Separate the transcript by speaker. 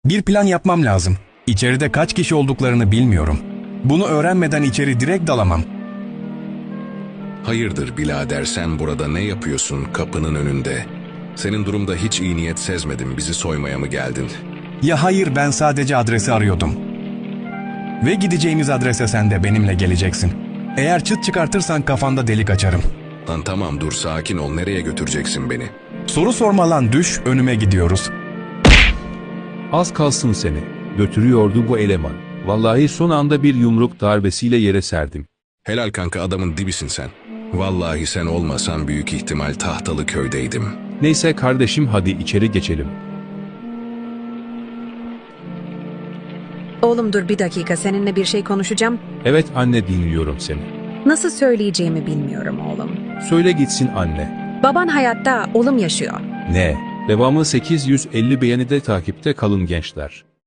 Speaker 1: Bir plan yapmam lazım. İçeride kaç kişi olduklarını bilmiyorum. Bunu öğrenmeden içeri direkt dalamam.
Speaker 2: Hayırdır birader, sen burada ne yapıyorsun kapının önünde? Senin durumda hiç iyi niyet sezmedim, bizi soymaya mı geldin?
Speaker 1: Ya hayır, ben sadece adresi arıyordum. Ve gideceğimiz adrese sen de benimle geleceksin. Eğer çıt çıkartırsan kafanda delik açarım.
Speaker 2: Lan tamam, dur sakin ol, nereye götüreceksin beni?
Speaker 1: Soru sorma lan, düş önüme, gidiyoruz.
Speaker 3: Az kalsın seni götürüyordu bu eleman. Vallahi son anda bir yumruk darbesiyle yere serdim.
Speaker 2: Helal kanka, adamın dibisin sen. Vallahi sen olmasan büyük ihtimal Tahtalı köydeydim.
Speaker 3: Neyse kardeşim, hadi içeri geçelim.
Speaker 4: Oğlum dur bir dakika, seninle bir şey konuşacağım.
Speaker 3: Evet anne, dinliyorum seni.
Speaker 4: Nasıl söyleyeceğimi bilmiyorum oğlum.
Speaker 3: Söyle gitsin anne.
Speaker 4: Baban hayatta, oğlum yaşıyor.
Speaker 3: Ne? Devamı 850 beğenide takipte kalın gençler.